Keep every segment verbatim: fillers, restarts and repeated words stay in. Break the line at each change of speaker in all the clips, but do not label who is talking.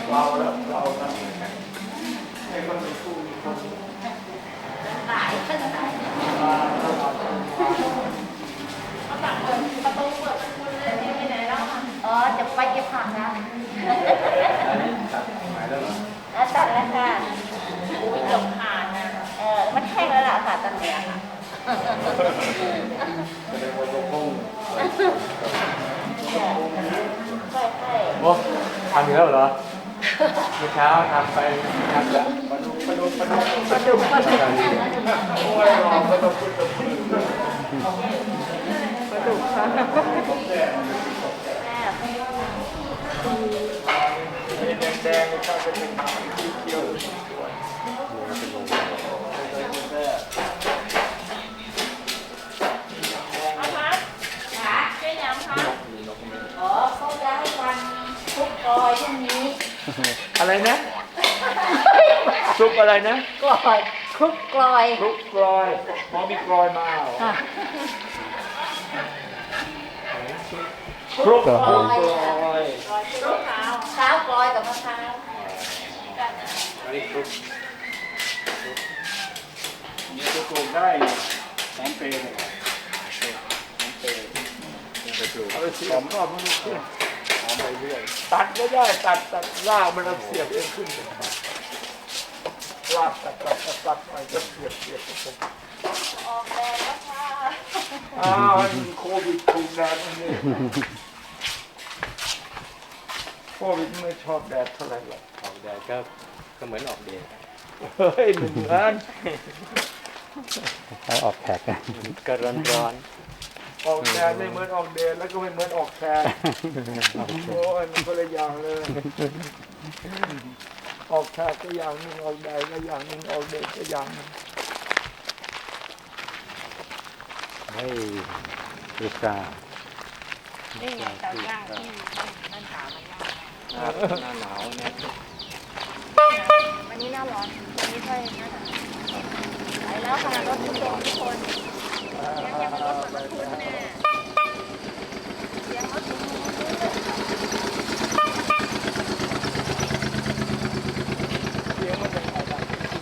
เราแล้วเราแล้วให้คนมีคู่มีคน
ตายขึ้นตาย
มาตลอด
เขาตัดเปิดประตูเปิดคุณเลยนี่ไปไหนแล้วอ๋อจะไปเก็บผักนะ
หายแล้วเหรอ
แล้วตัดแล้วค่ะอุ้ยเกือบขาดนะเออมันแห้งแล้วล่ะค่ะตอนนี้ค่ะ
แสดงว่าตัวพุ่ง
ใช่ใช่
โอ้ทำอีกแล้วเหรอเมื่อเช้าทำไปทำละมาดูมาดูมาดูมาดูมาดูโอ้ยรอมาดูมาดูมาดูค่ะแดงๆก็จะเป็นสีเขียวสวย
เอาพัดขาแค่ยังคะอ๋อเขาจะให้วันทุกกอยพรุ่งนี้
อะไรนะซุปอะไรนะ
กลอยคลุกกลอย
คลุกกลอยพอมีกลอยมาคลุกกลอย
คลุกขาวขาวกลอยกับมะพร้าว
อันนี้คลุกนี่จะปลูกได้สองปีเลยสองปีไปปลูกเอาไปเสียบก็มันขึ้นหอมไปเรื่อยตัดก็ได้ตัดตัดรากมันเสียบเองขึ้นรากตัดตัดตัดตัดไปก็เสียบเสียบผม
ออกแดดแล้วค่ะ
อ้าวโควิดถูกแดดนี่โควิดไม่ชอบแดดเท่าไหร่หรอกออกแดดก็ก็เหมือนออกเดดเฮ้ยเหมือนกัน
เขาออกแขกกัน
ก็ร้อนร้อนออกแดดไม่เหมือนออกเดดแล้วก็ไม่เหมือนออกแขกโอ้ยมันคนละอย่างเลยออกแขกก็อย่างนึงออกแดดก็อย่างนึงออกเดดก็อย่างนึง
เฮ้ยลูกกา
นี่ไงเตาย่างที่นั่นถามมันย่าง
หน้าหนาวเนี่ย
วันนี้หน้าร้อนวันนี้ค่อยหน้าหนาวไปแล้วค่ะรถทุกคนทุกคนยังยังรถเหมือนรถคุณแน่ยังรถคุณ
เสียงมันจะอะไร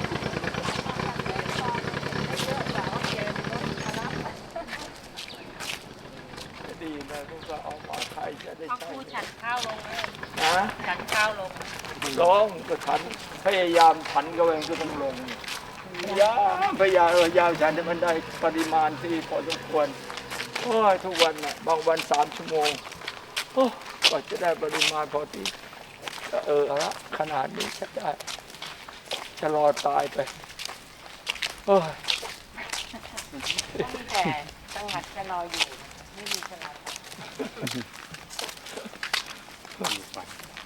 ดีนะพวกเราเอามาไทยจะได้ใช้
พูดฉันข้าวลงเลย
นะ
ฉันข้าวลง
ลงก็ฉันพยายามฉันก็เองก็ต้องลงพยายามพยายามพยายามฉันให้มันได้ปริมาณที่พอสมควรโอ้ยทุกวันน่ะบางวันสามชั่วโมงโอ้ก็จะได้ปริมาณพอที่เออละขนาดนี้จะได้จะรอตายไปโอ้ย
แต่จังหวัดจะรออยู่ไม่มีจะรอ
มีไฟ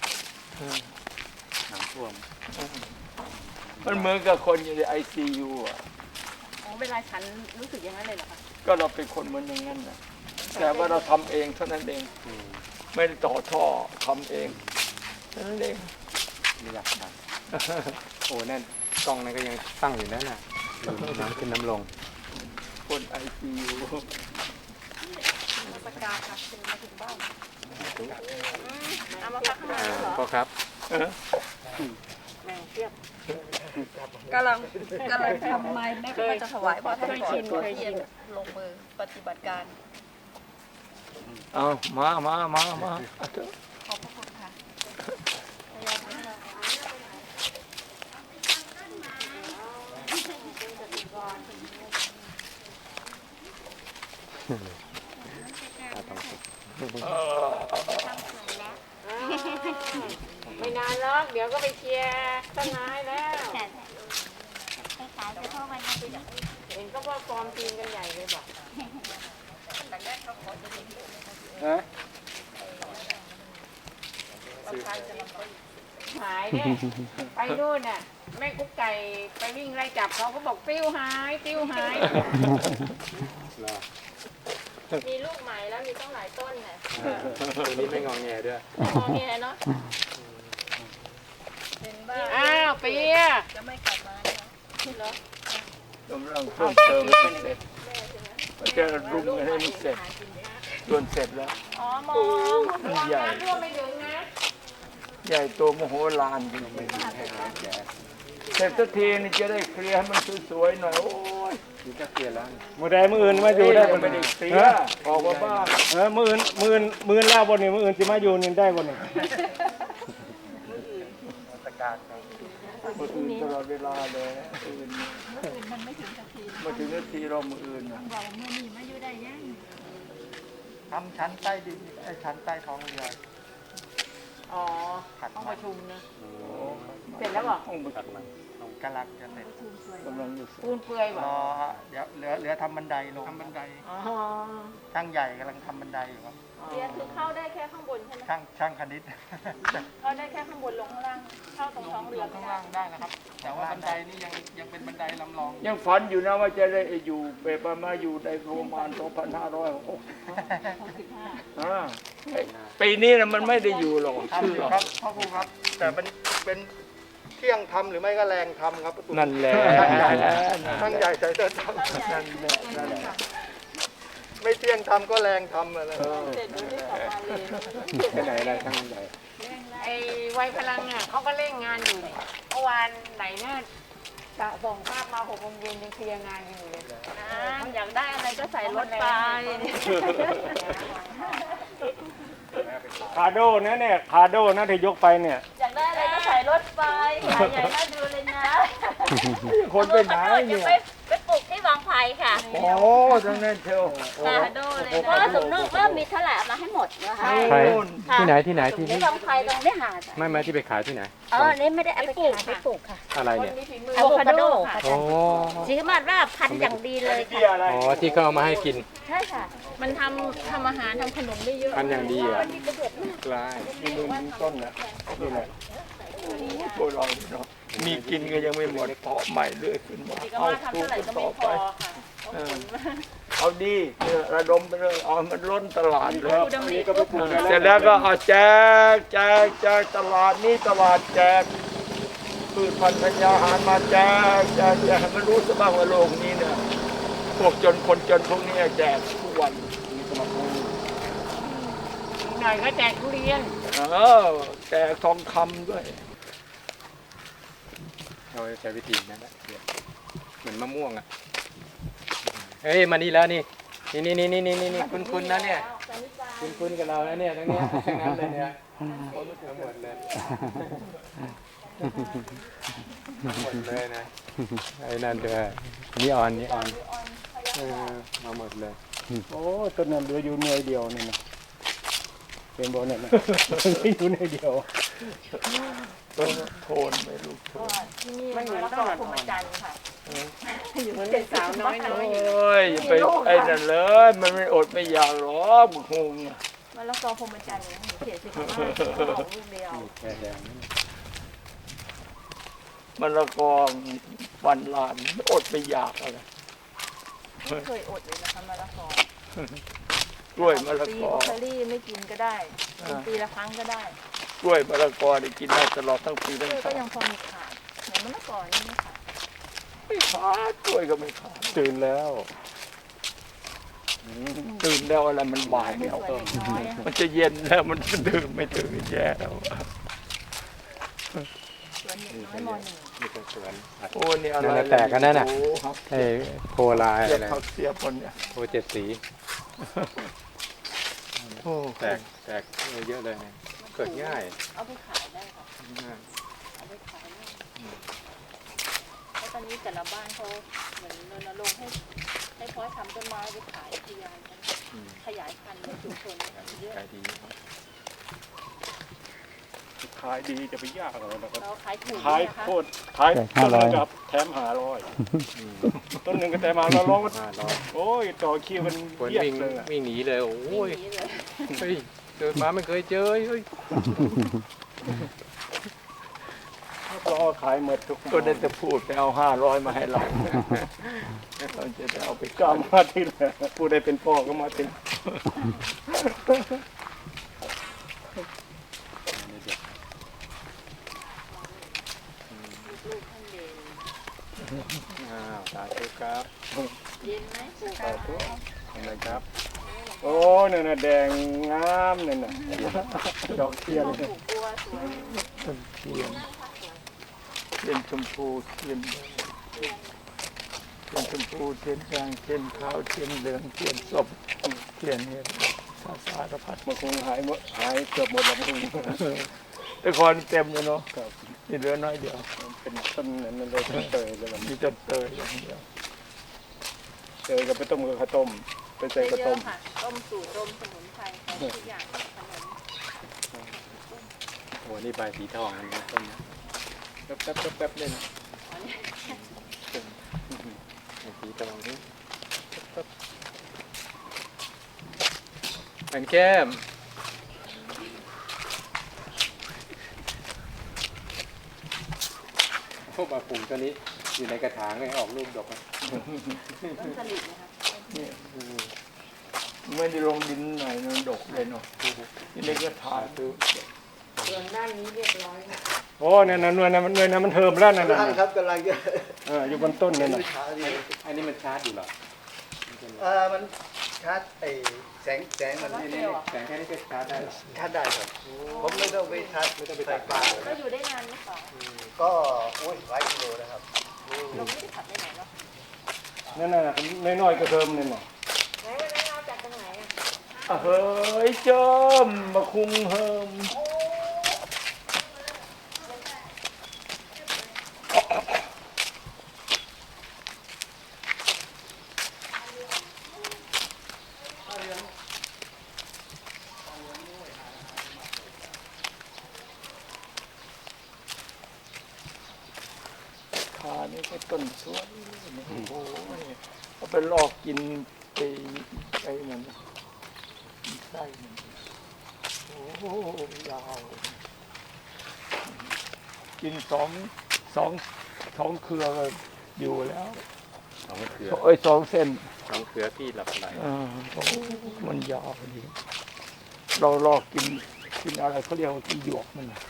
น้ำท่วม
มันเหมือนกับคนอยู่ในไอซียูอ่ะ
อ๋อเวลาฉันรู้สึกอย่างนั้นเลยเหรอคะ
ก็เราเป็นคนเหมือนอย่างนั้นนะแต่ว่าเราทำเองเท่านั้นเองไม่ได้ต่อท่อทำเองเท่านั้นเอง
มีหลักฐานโอ้นั่นกล้องนั่นก็ยังตั้งอยู่นั่นน่ะน้ำขึ้นน้ำลง
คนไอซียู
มาประกาศค่ะถึงมาถึงบ้านเอามาพักข้างหน้าเหรอ
พ่อครับ
แม่เทียบ
กำลังกำลังทำไม้แม่ก็จะถวายพ่อท่านก่อน
เคยชินลงมือปฏิบัติการ
เอามามามามา
ขอบพระคุณค่ะไม่นานหรอกเดี๋ยวก็ไปเคลียร์ต้นไม้แล้วเห็นก็ว่าฟอร์มทีมกันใหญ่เลยบอก
ฮะ
หายเนี่ยไปนู่นน่ะแม่กุ๊กไก่ไปวิ่งไล่จับเขาก็บอกติ้วหายติ้วหายมีลูกใหม่แล้วมีต้องหลายต้นน่ะ
ตัวนี้ไม่งองแงด้วย
งอแงเนาะอ้าวเปียจะไม่กลับมาเหรอก
ำลังเพิ่มเติมให้เสร็จมันจะรุมให้มันเสร็จจนเสร็จแล้ว
อ๋อมองระวังน้ำท่วมไม่ถึงนะ
ใหญ่โตมโหฬารจริงๆเสร็จสักทีนี่จะได้เคลียร์ให้มันสวยๆหน่อยโอ้ย
นี่ก็เปลี่ยนแล้ว
มือใดมืออื่นมาอยู่ได้
ยั
บ่
งไม่
นี่
ได้เคลียร์ออกมาบ้าง
เออมืออื่นมืออื่นมืออื่นแล้วบ่นี่มืออื่นสิมาอยู่นี่ได้บ่นี่
มืออื่นตลอดเวลาเลยอื่นมันไม่ถึงนาทีมาถึงนาทีเรามืออื่น
บอกมือนี่มาอยู่ได้ยัง
ทำชั้นใต้ดินไอ้ชั้นใต้ท้องเรือ
อ๋อห้องประชุมนะเสร็จแล้วเหรอ
ห้องประชุม
กำลังจะเสร็จ
กำลังจะเสร็จ
ปูนเปื่อยเหร
ร
อ
อเดี๋ยวเหลือเหลือทำบันไดลงทำบันได
อ๋อ
ช่างใหญ่กำลังทำบันไดอยู่ครับ
เรียนคือเข้าได้แค่ข้างบนใช่ไหม
ช่างช่างคณิต
เข้าได้แค่ข้างบนลงข้างล่างเข้าตรงท้องเรือไม่
ข้าง
ได้
ล่างได้นะครับ แต่ว่าบันไดนี่ยังยังเป็นบันไดลำลอง
ยังฝันอยู่นะว่าจะได้อยู่ไปประมาณอยู่ในประมาณสองพันห้าร้อยหกสิบห้าปีนี้นะมันไม่ได้อยู่หรอก
ทำ
ชื่อ
อยู่ครับพ่อครูครับ แต่เป็นเป็นเที่ยงทำหรือไม่ก็แรงทำครับประตู
นั่นแหละ
ช่างใหญ่ใส่เสื้อท
นั่นแหละนั่นแหละ
ำไม่เที่ยงทำก็แรงทำอะไร
เออ
เสร็จดูที่สองมาเลย
ไปไหนได้ช่างใหญ่
ไอ้วัยพลังอ่ะเขาก็เร่งงานอยู่เนี่ยเมื่อวานไหนเนี่ยจะส่งภาพมาหกโมงเย็นยังเคลียร์งานกันอยู่เลยนะอยากได้อะไรก็ใส่รถไป
คาโดนะเนี่ยคาโดนะที่ยกไปเนี่ย
อยากได้อะไรก็ใส่รถไปขายใหญ่น่าดูเลยนะ
คนไปไหน
จะ
เนี่ย
ไปไปปลูกที่วังไผ่ค่ะ
โอ้ทั้งนั้นเชียวโอ้
คาโดเลยนะว่าสมนึกว่ามีเท่าไหร่เอามาให้หมดนะคะ
ใคร
ค่ะ
ที่ไหนที่ไหนที่
ที่
นี่
วังไผ่ตรงได้หาดอะ
ไม่ไม่ที่ไปขายที่ไหน
เออนี่ไม่ได้เอาไปขายไปปลูกค่ะ
อะไรเนี่ย
อะโวคาโดค่ะ
โอ้
สีมาดว่าพันธุ์อย่างดีเลยค่ะ
อ๋อที่เขาเอามาให้กิน
ใช่ค่ะ มันทำทำอาหารทำขนมได้เยอะ
พันอย่างดีอ่ะกลาย
นี่ดูต้นน่ะนี่แหละ
พวกเราเนาะมีกินก็ยังไม่หมดเพาะใหม่เรื่อยขึ้นมา
ดีก็
เอา
ว่าทำ
ปลูก
เท่าไหร่
กัน
ก็ไม่
ต่อ
พ
ไป
อค่ะ
เออเอาดีเนี่ยระดมไปเลยเอามันล้นตลาดเลย
อันนี้ก็ไปปลูกได้
เสร็จแล้วก็เอาแจกแจกแจกตลาดนี้ตลาดแจกพืชพันธุ์ธัญญาหารมาแจกแจกแจกให้มันรู้ซะบ้างว่าโลกนี้เนี่ยพวกจนคนจนพวกนี้แจกทุกวัน
หน่อยก็แจกทุเรียน
เออแจกทองคำด้วย
เราใช้วิธีนั้นแหละเหมือนมะม่วงอ่ะเฮ้ยมานี่แล้วนี่นี่นี่นี่นี่นี่นี่คุณคุณนะเนี่ยคุณคุณกับเรานะเนี่ยทั้งเนี้ยทั้งนั้นเลยเนี่ยทั้งหมดเลยทั้งหมดเลยนะไอ้นั่นด้วยนี่ออนนี่ออนเออมาหมดเลย
โอ้ต้นนั้นเหลืออยู่หน่วยเดียวนี่นะเป็นบ่เนี่ยนะอยู่หน่วยเดียว
ต้นโทนไม่รู้โทน
ที่นี่มันอยู่แล้วก็พรหมจันทร์ค่ะอยู่เป็นสาวน้อยน้อย
โอ้ยอย่าไปไอ้นั่นเลยมันไม่อดไม่อยากหรอกบุกฮงอะ
มันแล้วก็พรหมจันทร์เนี่ยเขียนสิบห้าของลูกเดียว
แค่แดง
มันละกอวันลานไม่อดไม่อยากอะไร
ไม่เคยอดเลยนะคะมะละกอก
ล้วยมะละ
ปี
กอ
โอคารี่ไม่กินก็ได้กินปีละครั้งก็ได้
กล้วยมะละกอได้กินได้ตลอดทั้งปีทั้ง
กล้วย
ชา
ก็
ติ
ยังพอมีขาดเหมือนมะละกอนี่ไม่ขาด
ไม่ขาดกล้วยก็ไม่ขาด
ตื่นแล้ว
ตื่นแล้วอะไรมันบ่ายแล้ว
ส่วนน้อยๆอะ
มันจะเย็นแล้วมันดื่มไม่ถึงแย่แล้ว
ส่วนน้อยมหนึ่ง
นี่เป็นสวน
โอ้นี่อะไร
นั่นน่ะแตกกันนั่นน่ะ
โอ้ครับ
ไอ้โคลาย
เสียบ
อะไร
ผักเสียบคนเนี่ย
โคเจ็ดสี
โอ้
แตกแตกเยอะเลยเนี่ยเกิดง่าย
เอาไปขายได้ค่ะ
ง่าย
เอาไปขายได้เพราะตอนนี้แต่ละบ้านเขาเหมือนรณรงค์ให้ให้เพาะทำต้นไม้ไปขายขยายกัน
อืม
ขยายพันธุ์ในชุมชนเยอะ
ขายดี
ขายดีจะไปยากอะไรนะครับ
เราขายถูก
ขาย
นะคะ
โคตรขายต้นหนึ่งกับแถมหาร้อยต้นหนึ่งก็แถมหาร้อย
ห้าร้อย
โอ้ยต่อคิวมัน
คน
เยียด
วิ่ง
เลยอะ
วิ่งหนีเลยโอ้ย
วิ่งหนีเลย
เฮ้ยเกิดมาไม่เคยเจอเฮ้ย
รอขายหมดทุก
ก็ได้แต่พูดไปเอาห้าร้อยมาให้เราเราจะได้เอาไป
ก็เอามาที่แหละผู้ใดเป็นพ่อก็มาที่
ลูกท่านเด่น
อ้าวสาธุครับ
เย็นไหม
สาธุทำไมครับ
หลวง
โอ้นั่นน่ะแดงงามนั่นน่ะดอกเทียนเลย
ต้นเทียนเทียนชมพูเทียนแดงเทียนชมพูเทียนแดงเทียนขาวเทียนเหลืองเทียนส้มเทียนเนี่ยสาสารพัด
มันคงหายหมดหายเกือบหมดแล้วมึง
แต่ก่อนเต็มเลยเนาะ
ครับ
นี่เหลือน้อยเดียว
เป็นต้นนั้นเลยต้นเตยเลยมัน
มีต้นเตยอย่างเดียว
เตยก็ไปต้มกับข้าวต้มไปใส่ข้าวต้ม
ค่ะต้มสูตรต้มสมุนไพรใส่ทุกอย่างขนม
โอ้นี่ใบสีทองอันนี้ต้นนะ
แป๊บแป๊บแป๊บแป๊บเลยนะ
ใบสีทองนี่เป็นแก้มพวกมาปลูกตัวนี้อยู่ในกระถางเลยออกลูกดกนะ
ต้นสลิดนะคะ
นี่ไม่ได้ลงดินไหนนนดกเลยเนาะนี่เล็กก็ถ่ายคือ
ส่วนด้านนี้เรียบร้อยค่ะ
โอ้เนี่ยนะหน่วยนั้นมันหน่วยนั้นมันเทิมแล้วนั่นน่ะ
ท่านครับกำลังจะ
เอออยู่บนต้นนั่นน่ะ
ช้าดี
อันนี้มันชาร์จอยู่เหรอ
เออมันชาร์จไอแสงแสงมัน
นี่นี่แสงแค่นี้ก็ชาร์จได้เหรอ
ชาร์จได้ครับ ผมไม่ต้องไปชาร์จไม่ต้องไปใส่ปลา
แล้วอยู่ได้นานไหมคะ
ก็โอ้ยหลายกิโลนะครับ
เราไม่ได้ขับไปไหนเนาะ
นั่นน่ะน้อยๆก็เทิมนั่นน่ะ
ไหนวันนั้นเอาจากตรงไหนอ่ะ
อ่ะเฮ้ยเจิมมาคุงเฮิม ขานี่ก็ต้นสวยโอ้โหเอาไปลอกกินไปไอ้นั่นน่ะไส้มันโอ้โหยาวกินสองสองสองเครือก็อยู่แล้ว
สองเครือ
เอ้ยสองเส้น
สองเครือพี่หลับไหล
เออโอ้โหมันยาวดีเราลอกกินกินอะไรเขาเรียกว่ากินหยวกมันน่ะ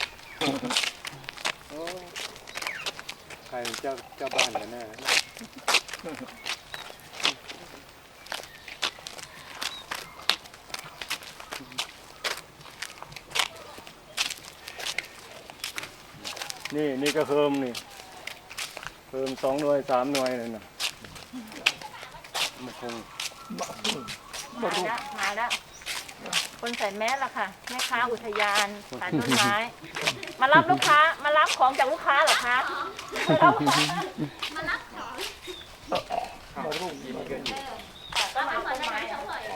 ใครเป็นเจ้าเจ้าบ้านกันแน่
นี่นี่ก็เทิมนี่เทิมสองหน่วยสามหน่วยนั่นน่ะ
มันคง
มาแล้วมาแล้วคนใส่แมสละค่ะแม่ค้าอุทยานขายต้นไม้ มารับลูกค้ามารับของจากลูกค้าเหรอคะมารับ
มารุ่งกินกันอยู่
ก็มาต้นไม้อะ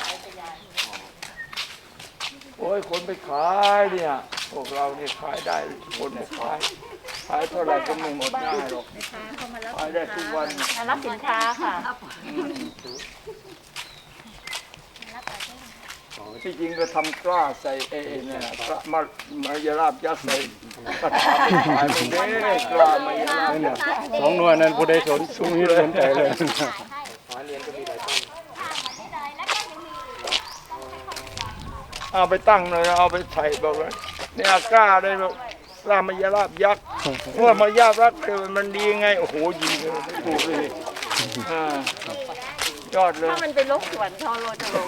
โอ้ยคนไปขายเนี่ยพวกเราเนี่ยขายได้คนไปขายขายเท่าไหร่ก็ไม่หมดได้หรอก
แม่ค้าเขามารับ
ขายได้ทุกวัน
มารับสินค้าค่ะ
ที่จริงก็ทำกล้าใส่เอเนี่ยกล้ามามายาลาบยัดใส่กระถางไปขายมันเด้กล้ามายาลาบ
นั่นน่ะสองหน่วยนั้นผู้ใดสนสุนีสนใจเลย
หอเรียนก็มีหลายต้น
เอาไปตั้งเลยเอาไปใส่บอกว่าเนี่ยกล้าได้แบบกล้ามายาลาบยักษ์เมื่อมายาลาบยักษ์มันดีไงโอ้โหดีเลยปลูกเลยอ่ายอดเลย
ถ้ามันเป็นลกสวนทอโรจะรู้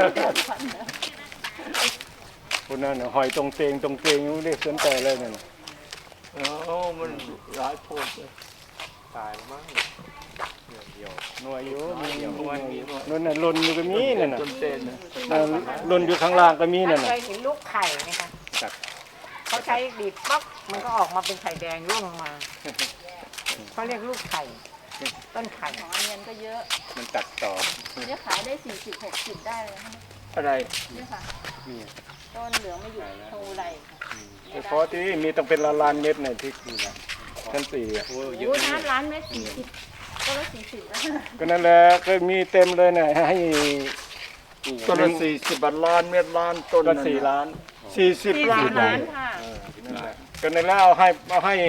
คนนั้นน่ะหอยตรงเตงตรงเตงยังไม่ได้สนใจเลยนั่นน่ะ
โอ้มันหลายโพดเลย
ตายแล้วมั้งเดียวเดียว
หน่วยอยู่มี
เดี๋ยววันนี้
นั่นน่ะหล่นอยู่ก็มีนั่นน่ะ
จนเต้นนะ
นั่นหล่นอยู่ข้างล่างก็มีนั่น
เค
น่ะ
ยเห็นลูกไข่ไหมคะ
จับ
เขาใช้บีบปั๊บมันก็ออกมาเป็นไข่แดงร่วงลงมาเขาเรียกลูกไข่ ต้นไข่
หอเนียนก็เยอะ
มันตัดต่อ
เนี่ยขายได้สี่สิบหกสิบได้เลยนะคะ
อะไร
เนี่ยค่ะ
นี่
ต้นเหลืองไม่หยุดโทรไรค่ะ
แต่พอที่มีต้องเป็นละลานเม็ดน่ะที่นี่นะชั้นสี่อ่ะ
โอ้เยอะ
โอ้ย
เลย
น้ำร้านเม็ดสี่สิบก็ละสี่สิบแล้ว
ก็นั่นแหละก็มีเต็มเลยน่ะให้
ต้นละสี่สิบบาทล้านเม็ดล้านต้น
ก็
นั่น
สี่ล้าน
สี่สิบ
สี่
ล้า
สิ
น
บล้านค่ะ
นั่นแหละ
ก็นั่นแล้วเอาให้เอาให้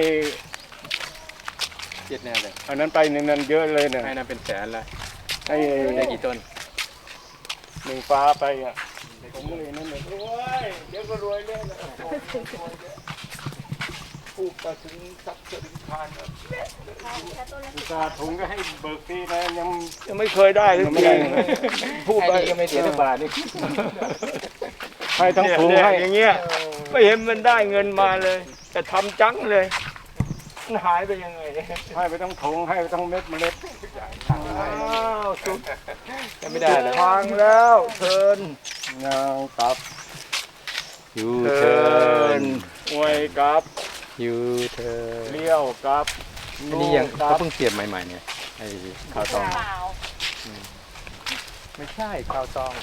เจ็ดแน่เลย
อันนั้นไปหนึ่งนั้นเยอะเลยน่ะ
ให้นั่นเป็นแสนละ
ให้
ได้กี่ต้น
หนึ่งฟ้าไปอ่ะผมเลยนั่นเลยโอ้ยเดี๋ยวก็รวยเลยนะป
ทูบมาถึงสักถึงคานแล้ว
อุตส่าห์ถุงก็ให้เบิกฟรีนะยัง
ยังไม่เคยได้เลย
ยังไม่ได้
พูด
ไอ้
ไป
นี่ก็ไม่เสียสักบาทนี่
ให้ทั้งถุง
เนี่ย
ให้
อย่างเงี้ยไม่เห็นมันได้เงินมาเลยแต่ทำจังเลยมันหายไปยังไงเนี่ย
ให้ไปทั้งถุงให้ไปทั้งเม็ดเมล็ด
อ้าวสุด
ยังไม่ได้เลย
ทางแล้วเทิน
งางตับ
ยู
เทิ
เทิร์
น
น
อวยกับ
ยูเทิร์น
เลี้ยวกับ
อันนี้ยัง
กั
เขา
บ
เพิ่งเสียบใหม่ๆเนี่ยไอ้ข้าวตอง
เปล่า
ไม่ใช่ข้าวตอง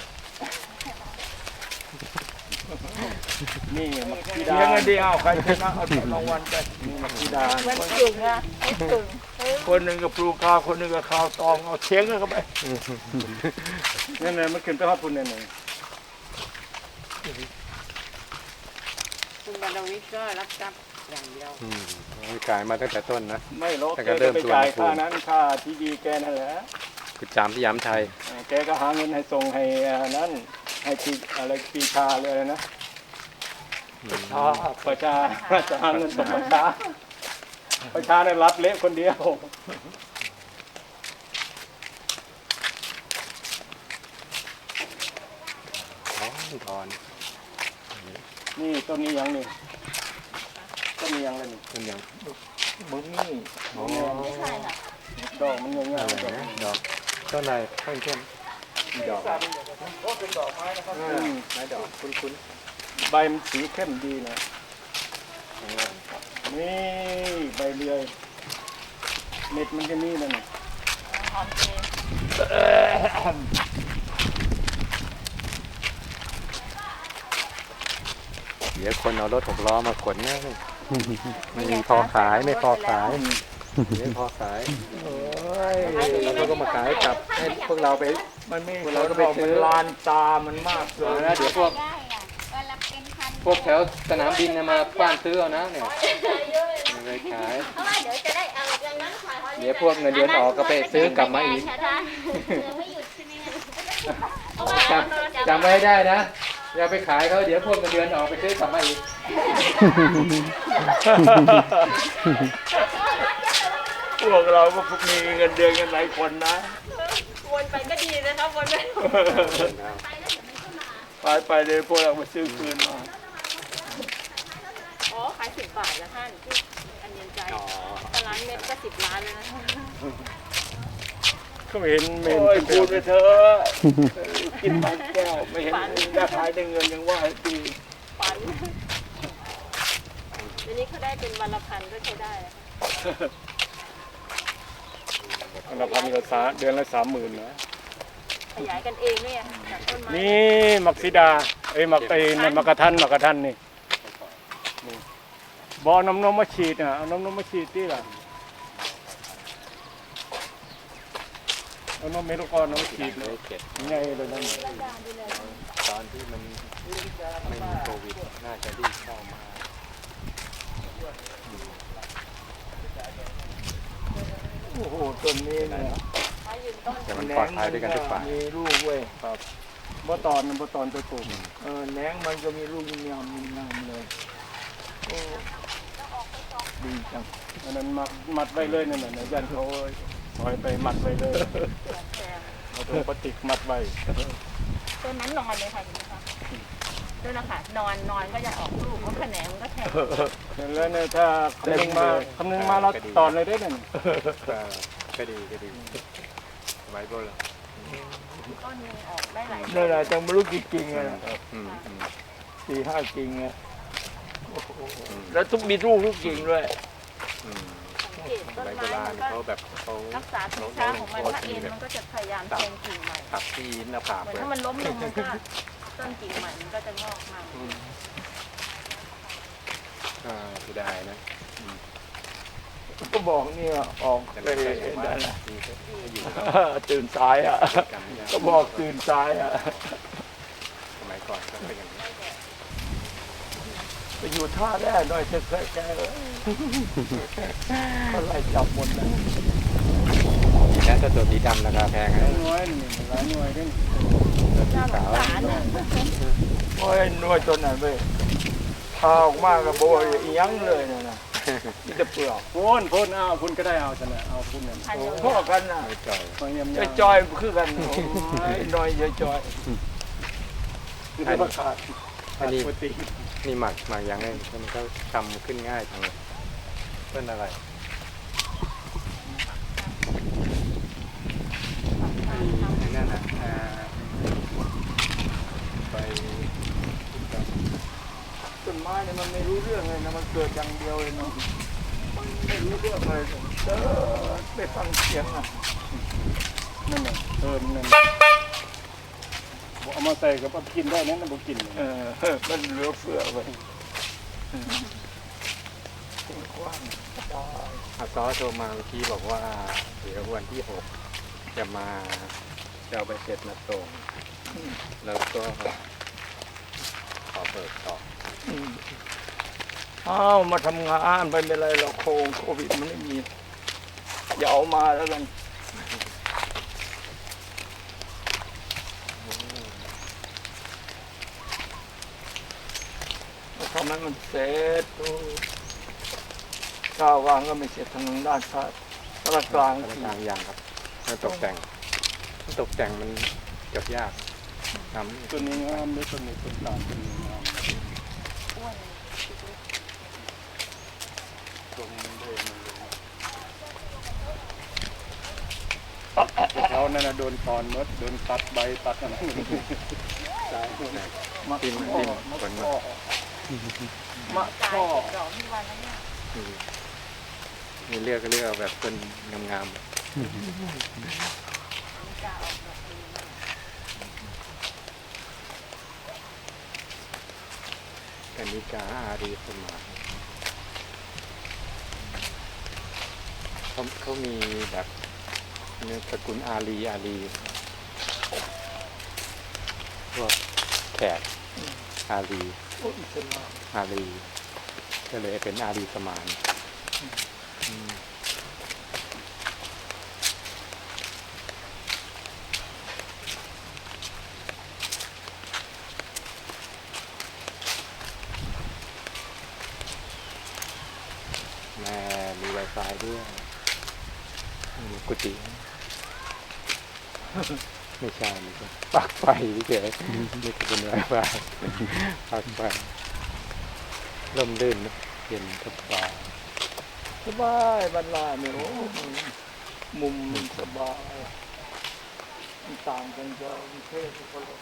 นี่มักซี
เลี้
ดาย
งกันดีเอาใครชนะเอารางวัลไป
นี่มักซีดา
มันกึ่งอะมันกึ่งเออ
คนหนึ่งกับปลูกข้าวคนหนึ่งกับข้าวตองเอาเทียงกันเข้าไป
นั่นเลยมันขึ้นไปฮอดปุ่นนั่นเลย
คุณบรรวิทย์ก็รับทรัพย์อย่างเดียว
อืมขายมาตั้งแต่ต้นนะ
ไม่หรอก
แต่
แก
ก็เริ่
ก็
ม
ไป
ส่วน
จ่าย
ภูมิ
ค่านั้นค่าที่ดีแกนั่นแหละ
คือจามที่ย้ำไทย
อ่าแกก็หาเงินให้ส่งให้อันนั้นให้ปีอะไรปีชาเลยอะไรนะ
อ่า
ประชาจะหาเงินส่งประชาประชาเนี่ยรับเละคนเดียว
ถอนถอน
นี่ต้นนี้ยังนี่ต้นนี้ยังเลยนี่
ต้นยัง
มึงนี่
อ๋อ
ไม่ใช่หรอก
ดอกมันยังไง
อะไร
ดอก
นะดอกต้นอะไรต้นเข้มดอก
อืม
ไม้ดอกคุ้น
ใบมันสีเข้มดีนะนี่ใบเลื่อยเม็ดมันจะมีนั่นน่ะ
หอมเจ
ๆเดี๋ยวคนเอารถหกล้อมาขนนะไม่มีพอขายไม่พอขายไม่พอขาย
โอ้ย
แล้วเขาก็มาขายกลับให้พวกเราไป
มันไม่
เราก็ไปซื้อ
มันลานตามันมากเล
เอย อนะเดี๋ยวพวกพวกแถวสนามบินเนี่ยมาป้านซื้อเอานะเนี่ยไม่ไปขาย
เพราะว่าเดี๋ยวจะได้เอาอย่างนั้นขาย
เดี๋ยวพวกเงินเดือนออกก็ไปซื้อกลับมาอีก
ไม่หยุดใช่ไหมเพราะว่า
จำจำไว้ให้ได้นะอย่าไปขายเขาเดี๋ยวพวกเงินเดือนออกไปซื้อกลับมาอีก
พวกเราก็มีเงินเดือนกันหลายคนนะ
วนไปก็ดีนะครับวนไป
ไปไปเลยพวกเรามาซื้อคืนมา
อ๋อขายสิบบาทนะท่านที่อันเย็นใจแต่ร้านเม็ดก็สิบล้านแล้วนะ
ก็ไม่เห็นไม่
โอ้
เห็น
ยพูดไปเถอะกินบางแก้วไม่เห็นได้ขายได้เงินยังว่าให้ดี
ฝันเดี๋ยวนี้เขาได้เป็นวันละพันก็ใช้ได้แล้ว
อันละพันก็สาเดือนละสามหมื่นนะ
ขยายกันเองด้วยอะจากต้นไม้
นี่มักซีดาเอ้ยมักไอ้นั่นมักกะทันมักกะทันนี่นี่บอน้ำนมมาฉีดอ่ะเอาน้ำนมมาฉีดที่ล่ะเอาน้ำเมลูกอ่อนน้ำฉีดเลยง่ายเลยนั่น
ตอนที่มันไม่มีโควิดน่าจะรีบเข้ามา
โอ้โหต้นนี้เนี่ย
แต่มันปลอดภัยด้วยกันทุกฝ่าย
มีลูกเว้ย
ครับบ่ตอนบ่ตอนตัวกลุ่ม
เออแหนงมันก็มีลูกยำๆงามเลยโอ้ดีจัง
อันนั้นมัดมัดไว้เลยนั่นน่ะยันเขาปล่อยไปมัดไว้เลยเอาตัวพลาสติกมัดไว้
ต้นนั้นนอนเลยค่ะเห็นไหมคะต้นนะคะนอนนอนก็จะออกลูกเพราะแขนงมันก็แทง
แล้วเนี่ยถ้าคำนึงมาคำนึงมาเราตอนเลยได้นั่น
ก็ก็ดีก็ดีไว้บนละ
ต้นหนึงออกได้หลาย
นั่นแหละจังไม่รู้กี่กิ่งอะนะ
อืมอืม
สี่ห้ากิ่งอะโอ้โหแล้วทุกมีลูกทุกกิ่งด้วย
อืม
สังเกต
ส
ต้น
มัยโบ
ไม้
รา
มั
ณ
นก็
เขาแบบเขา
รักษาธรรมชาติของมันถ้าเอ็นมันก็จะพยายามแทงกิ่งใหม่
ตัดที่หน้าผาก
เหมือน
เลย
ถ้ามันล้มลงมันก็ต้นกิ่งใหม่มันก็จะงอกมา
อ่าเสียดายนะ
ก็บอกเนี่ยออก
แต่
ไป
ไม่ใช่ผมว่า
นั่นน่ะ
ดีก็อยู่
ตื่นสายอ่ะ
กันไม่ได้
ก็บอกตื่นสายอ่ะ
สมัยก่อนก็เป็นอย่างนี้
ไปอยู่ท่าแร่หน่อยจะแค่แกเลยเขาไล่จับหมดเลย
ดีนะถ้าตัวสีดำราคาแพงนะ
หน่วยนี่หลายหน่วยด้วย
ตัวสี
น่าส
ขาง ว
สารน่ะ
โอ้ยหน่วยตัวไหนเว้ยพาออกมากับโบยอีหยังเลยนะนะมีแต่เปลือก
พูนพูนเอาพูนก็ได้เอาชนะเอาพูนเนี่ย
พันเดียว
พ่อกันน่ะ
ไม่จ่อย
บางยำ
จะ
ยำ
จอยคือกันโอ้ยน้อยจะจอย
นี่เป็นประกาศ
อันนี้
ปกติ
นี่หมักหมักยังไงมันก็ทำขึ้นง่ายจังเลยเป็นอะไรไอ้นั่นน่ะอ่าไป
ต้นไม้เนี่ยมันไม่รู้เรื่องเลยนะมันเกิดอย่างเดียวเลยเนาะมันไม่รู้เรื่องเลยเออไปฟังเสียงอ่ะ
นั่นน่ะเออนั่นเอามาใส่กับกินได้นั่นน่ะบ่กิน
เออมันเหลือเฟือไปกว้างสบาย
อาซอโทรมาเมื่อกี้บอกว่าเดี๋ยววันที่หกจะมาจะเอาไปเสร็จมาส่งแล้วก็ขอเบิกต่อ
อืมอ้าวมาทำงานไปไม่เป็นไรหรอกโควิดโควิดมันไม่มีอย่าเอามาแล้วกันทำให้มันเสร็จโอ้ก้าววางก็ไม่เสร็จทางด้านซ้ายตะกลาง
กลาง
ที
กลางอย่างครับมันตกแต่งตกแต่งมันจบยากทำ
ตัวนี้งามด้วยตัวนี้ต้นตาลตัวนี้งามตรงเดินเขานั่นน่ะโดนตอนมดโดนตัดใบตัดอะไรตายหมด
มา
ติม
ข้อ
ติม
มา
ผล
ข้อ
มะ
ตาย
ข้อ
เก็บดอกที่วันนั้นเนี่ย
นี่เลือกก็เลือกเอาแบบคนงาม
กล้าออกดอกดีมาก
ๆกันนิกาอารีสมาเขาเขามีแบบเนี่ยสกุลอารีอารีพวกแขกอารี
โอ้อิสลาม
อารีก็เลยเป็นอารีสมานอืมแม่มี Wi-Fi ด้วยมีกุฏิไม่ใช่ไม่ใช่ปลั๊กไฟเฉยๆนี่คือเป็น Wi-Fi ปลั๊กไฟร่มรื่นนะเย็นสบาย
สบายบรรลาเนี่ยโอ้มุมมันสบายมันต่างกันจากกรุงเทพคนละ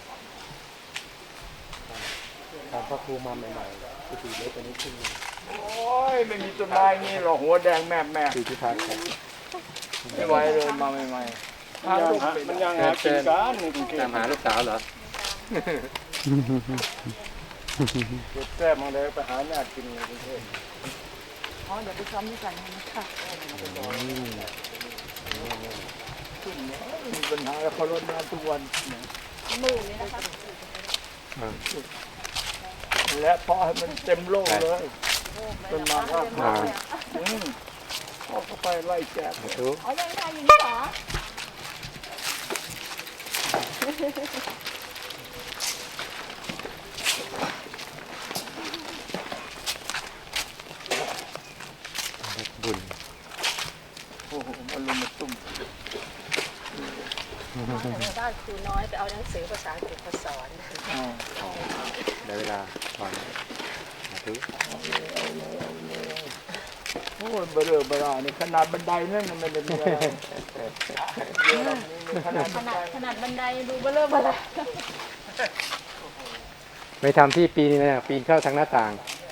ตอนพระครูมาใหม่ๆกุฏิเล็กกว่านี้ขึ้นหนึ่ง
โอ้ยไม่มีต้นไม้งี้หรอกหัวแดงแม่แม่
คือที่พักครับ
ไม่ไหวเลยมาใหม่ๆ
มันยังหามันยังหากินกันในกรุงเทพ
ตามหาลูกสาวเหรอ
เก็บแต้มมาเลยไปหาญาติกินในกรุงเทพ
อ๋อเดี๋ยวไปซ้อมด้วยกันนะคะ
ขึ้นเนี่ยมีปัญหาแล้วเขาลดน้ำทุกวัน
มือเลยนะคะ
และเพราะให้มันเต็มโลกเลยจนมาว่า
อ่า
อืมเขาก็ไปไล่แจก
ดู
อ๋อยังทานอยู่นี่เหรอ
บุญ
โอ้โหมาลุมมาตุ้ม
บ้านครูน้อยไปเอาหนังสือภาษาอังกฤษมาสอน
อ่า
อ๋อได้เวลาก่อนมาดู
โอ้ยเบลอเบลาเนี่ยขนาดบันไดนั่นมันไม่ได้มีอะไรเดี๋ยวเรามีขนาด
ข
บันได
นาดขนาดบันไดดูเบลอเบลอ
ไม่ทำที่ปีนี้นะปีนเข้าทางหน้าต่าง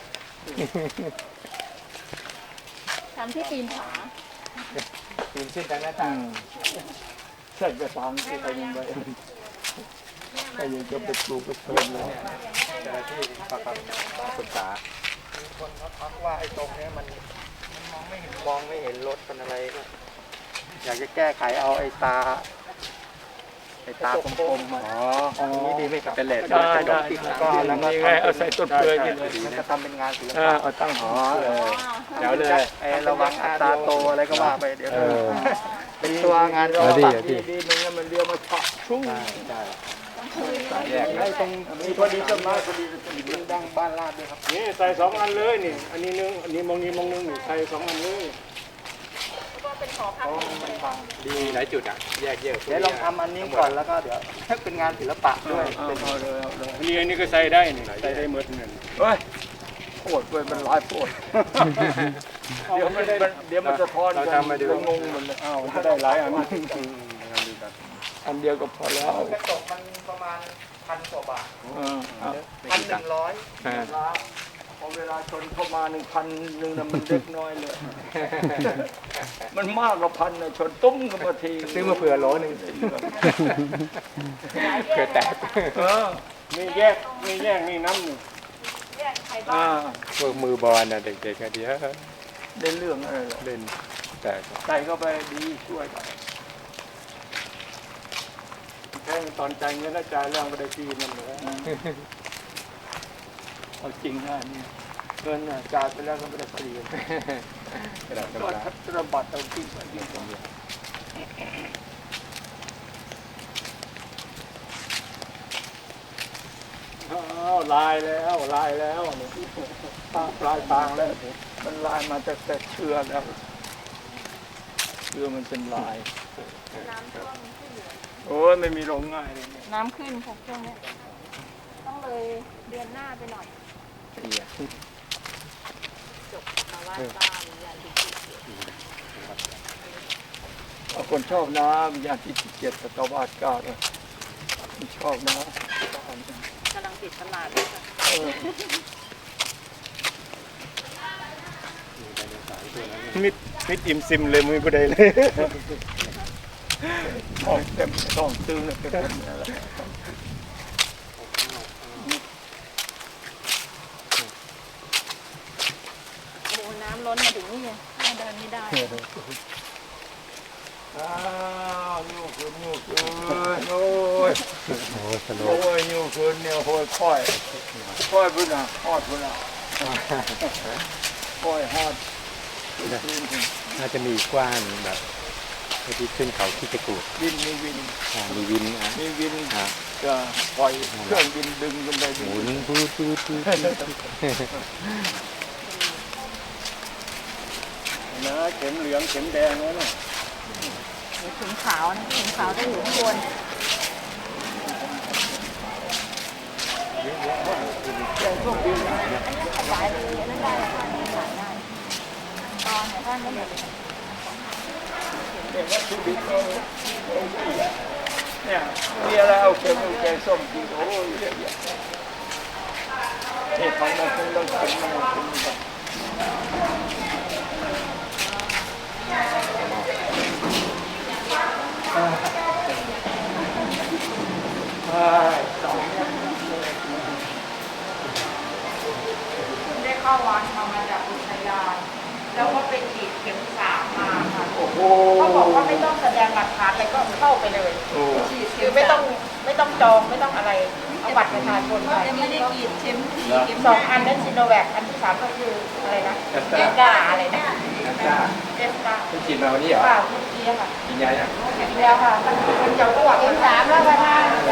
ทำที่ปีนผา
ปีนขึ้นทางหน้า
อื
ต่าง
มใช่กระสังที่ไปยังไงใครยังจะไปปลูกไปเพิ่มเลย
เจ้าหน้าที่ประคับศึกษา
คนเขาทักว่าไอ้ตรงเนี้ยมันมองไม่เห็นมองไม่เห็นรถเป็นอะไรก็อยากจะแก้ไขเอาไอ้ตาไอ้ตากลมๆมา
อ๋อ
ตรงนี้ดีไหมครับ
เป็นเลส
ได้ได้
ก็แล้วก็
นี่ไงเอาใส่ต้นเปลือยนี่เลย
มันก็ทำเป็นงานศิล
เอ
ปะ
อเอาตั้งหัว
เออเดี๋ยวเลย
ไอ้ระวังอัตราโตอะไรก็ว่าไปเดี๋ยว
เออ
เป็นตัวงาน
เอาดิ
ศิลปะ
เอาดิ
ดีดีๆมันงั้นมันเลี้ยวมาฉะชุ่ง
ใช่ใช่
ต้อง
แยก
ไอ้ตรงมีพอดีต้นไม้พอดีต้นดินดังบ้านลาดด้วยครับ
นี่ใส่สองอันเลยนี่ อันนี้นึงอันนี้มองนี้มองนึงนี่ใส่สองอันเลย
ก็เป็นหอพัก
มันบัง
ดีหลายจุดอ่ะแยกเยอะ
เดี๋ยวลองทำอันนี้ก่อนแล้วก็เดี๋ยวเป็นงานศิลปะด้วย
เอา
เป็น
เอาเลยเอาเลย
อันนี้อันนี้ก็ใส่ได้นี่ใส่ได้หมดนี่
เฮ้ยโคตรเว้ยมันหลายโคตรเดี๋ยวมันมันเดี๋ยวมันจะทอนกันจะงงหมดเลย
อ้าวจะได้หลายอัน
อันเดียวก็พอแล้ว
กระจกมันประมาณพันกว่าบาท
เออเอา
พันหนึ่งร้อย
พอเวลาชนเข้ามาหนึ่งพันหนึ่งนะมันเล็กน้อยเลย มันมากกว่าพันนะชนตุ้มกันมาที
ซื้อมาเผื่อโหลหนึ่งเผื่อแตก
เออ
มีแยกมีแยกมีน้ำนี่
แยกใครบ้า
อ่าง
พวกมือบอลน่ะเด็กๆก็เดียว
ได้เรื่องอะไรหรอ
เล่นแตก
ใส่เข้าไปดีช่วยกัน
แค่ตอนจ่ายเงินแล้วจ่ายแล้วก็ได้ฟรีนั่นเลย
เอาจริงนะนี่เงินน่ะจ่ายไปแล้วก็ไม่ได้ฟรี
กระดาษ
ก็
กระดาษ
ธนบัตรเอาจริงไปจริง
อ้าวลายแล้วลายแล้วนี่
ปลาปลายทางแล้วมันลายมาจากแต่เชื่อแล้วเชื่อมันเป็นลาย
น้ำท่วมขึ้นเหลือ
โอ้ยไม่มีลงง่ายเลยเนี่ย
น้ำขึ้นค่ะช่วงเนี้ยต้องเลยเดือนหน้าไปหน่อย
เสีย
จบภาวะบ้านยาติดเชื้อ
เอาคนชอบนะวิญญาณที่สิบเจ็ดตะวาดเก้าเลยมันชอบนะ
กำลังติดตลาดด้วยค่ะ
เออ
มิดมิดอิ่มซิมเลยมือผู้ใดเลย
ต้องเต็มต้องตื้อเนี่ยเป็นแบบนี้แหละ
โอ้โหน้ำล้นมาถึงนี่เลยแม่เดินไม่ได้
อ้าวนิ้วคืนนิ้วคืนโอ้ย
โอ้สโล
โอ้ยนิ้วคืนเนี่ยโอ้ยค่อยค่อยพุ่นอ่ะฮอดพุ่นอ่ะค่อยฮอดคืนคืน
น่าจะมีกว้านแบบที่ขึ้นเขาที่จะกูด
วินมีวิน
อ่ามีวินอ่ะ
มีวิน
อ่ะ
ก็ปล่อยเครื่องบินดึงขึ้นไป
ห
ดึง
มุนพูดพูดพูด
นะเข็มเหลืองเข็มแดงนั่นน่ะ
มีถุงขาวนะถุงขาวจะอยู่ข้างบน
แจ้งเครื่องบินนะ
ขยายเลยนั่นได้ราคานี้ขายได้ตอนเนี่ยท่านไม่ได้
เนี่ยวัตถุดิบเราเนี่ยมีอะไรเอาเค็มเอาแกงส้มกินโอ้ยเยอะแยะนี่ของมันคงต้องกินมันคงต้องสอง
ได้เข้าวัดมามาจากอุทยาน แล้วก็ไปฉีดเข็มสามมาค่ะ
โอ้โห
เขาบอกว่าไม่ต้องแสดงหลักฐานอะไรก็เข้าไปเลย
โอ้
ฉีดคือไม่ต้องไม่ต้องจองไม่ต้องอะไรเอาบัตรประชาชนไป
ไม่ได้กีดเข็มทีเข็ม
สองอันนั้นซิโนแวคอันที่สามก็คืออะไรนะเอสกาอะไรนะ
จ้า
เอสกา
คุณกินมาวันนี้เหรอ
เปล่าเมื่อกี้ค่ะ
กินยายัง
กินแล้วค่ะมันมันจะอ้วกเข็มสามแล้วประธาน